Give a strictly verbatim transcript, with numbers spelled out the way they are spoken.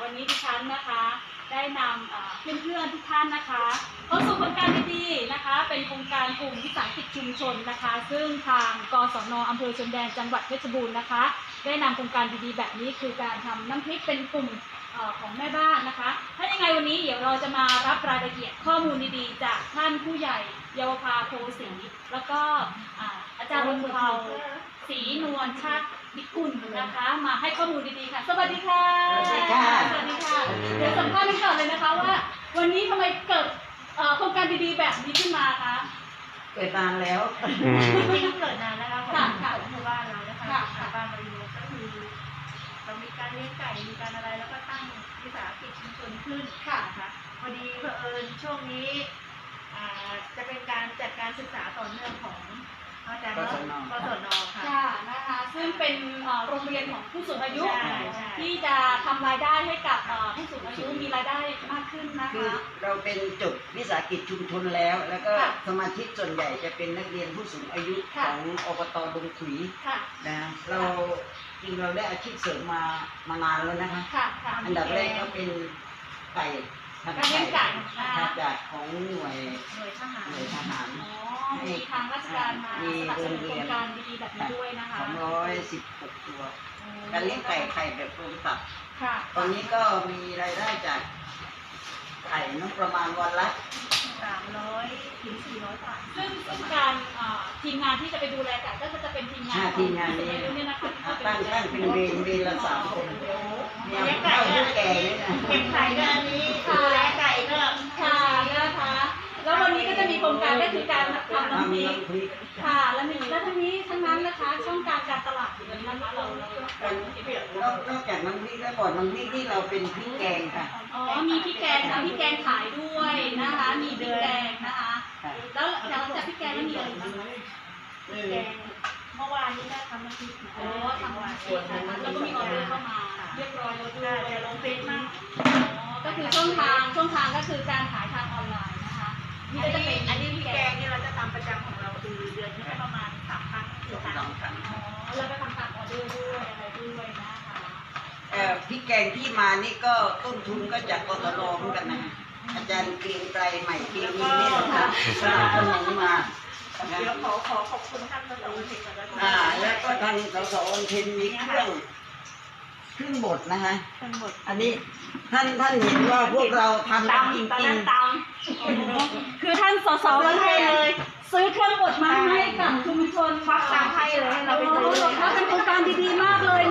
วันนี้ดิฉันนะคะได้นำเพื่อนๆทุกท่านนะคะเข้าสู่โครงการดีๆนะคะเป็นโครงการกลุ่มวิสาหกิจชุมชนนะคะซึ่งทางกศน.อำเภอชนแดนจังหวัดเพชรบูรณ์นะคะได้นำโครงการดีๆแบบนี้คือการทำน้ำพริกเป็นกลุ่มของแม่บ้านนะคะถ้ายังไงวันนี้เดี๋ยวเราจะมารับรายละเอียดข้อมูลดีๆจากท่านผู้ใหญ่เยาวภาโพสีแล้วก็อาจารย์บุญเภาศรีนวลชาติพิกุลนะคะมาให้ข้อมูลดีๆค่ะสวัสดีค่ะสวัสดีค่ะสวัสดีค่ะเดี๋ยวสัมภาษณ์กันก่อนเลยนะคะว่าวันนี้ทำไมเกิดโครงการดีๆแบบนี้ขึ้นมาคะเกิดนานแล้วไม่ต้องเกิดนานแล้วค่ะค่ะค่ะหมู่บ้านเรานะคะค่ะบ้านเราอยู่ก็คือเรามีการเลี้ยงไก่มีการอะไรแล้วก็ตั้งวิสาหกิจชุมชนขึ้นค่ะนะคะพอดีเผอิญช่วงนี้จะเป็นการจัดการศึกษาต่อเนื่องของอาจารย์กศน. ค่ะนะคะซึ่งเป็นโรงเรียนของผู้สูงอายุที่จะทำรายได้ให้กับผู้สูงอายุมีรายได้มากขึ้นนะคะคือเราเป็นจบวิสาหกิจชุมชนแล้วแล้วก็สมาชิกส่วนใหญ่จะเป็นนักเรียนผู้สูงอายุของอบต.ดงขุยนะเราจริงเราได้อาชีพเสริมมามานานแล้วนะคะอันดับแรกก็เป็นไก่ทำไก่จากของหน่วยหน่วยทหารหน่วยทหารมีทางราชการมาสนับสนุนโครงการดีๆแบบนี้ด้วยนะคะสองร้อยสิบหกตัวการเลี้ยงไก่ไข่แบบรวมตับตอนนี้ก็มีรายได้จากไข่น้ำประมาณวันละสามร้อยถึงสี่ร้อยบาทซึ่งการทีมงานที่จะไปดูแลไก่ก็จะเป็นทีมงานทีมงานนี้ตั้งตั้งเป็นเวรเวรละสามคนเลี้ยงไก่ผู้แก่เนี่ยนะเก็บไข่ก็อันนี้ดูแลไก่ก็ค่ะนะคะแล้ววันนี้ก็จะมีโครงการก็คือการทำน้ำพริกค่ะแล้วมีแล้วทั้งนี้ทั้งนั้นนะคะช่องการการตลาดอยู่นั้นนะคะเราเรานอกจากน้ำพริกแล้วก่อนน้ำพริกที่เราเป็นพริกแกงค่ะอ๋อมีพริกแกงทำพริกแกงขายด้วยนะคะมีพริกแกงนะคะแล้วหลังจากพริกแกงแล้วมีอะไรบ้างคะพริกแกงเมื่อวานนี้ได้ทำน้ำพริกอ๋อทำวันนี้นะคะแล้วก็มีออเดอร์เข้ามาเรียบร้อยแล้วด้วยจะลงเฟซมากก็คือช่องทางช่องทางก็คือการขายทางออนไลน์นะคะนี่ก็จะเป็นอันนี้พริกแกงเนี่ยเราจะทำประจำของเราคือเดือนนี้ประมาณสามครั้งถึงสามครั้งอ๋อแล้วก็ทำตามออเดอร์ด้วยอะไรด้วยนะคะเอ่อพริกแกงที่มานี่ก็ต้นทุนก็จากกสน.เหมือนกันนะอาจารย์เกรียงไกรใหม่เกรียงนี่นี่นะคะสนับสนุนมาเดี๋ยวขอขอขอบคุณท่านสสวันเพ็ญก่อนนะอ่าแล้วก็ทางสสวันเพ็ญมีเครื่องเครื่องบดนะคะเครื่องบดอันนี้ท่านท่านเห็นว่าพวกเราทำจริงจริงคือท่านสสวันเพ็ญเลยซื้อเครื่องบดมาให้กับชุมชนฟักตังให้เลยให้เราไปซื้อเป็นโครงการดีๆมากเลย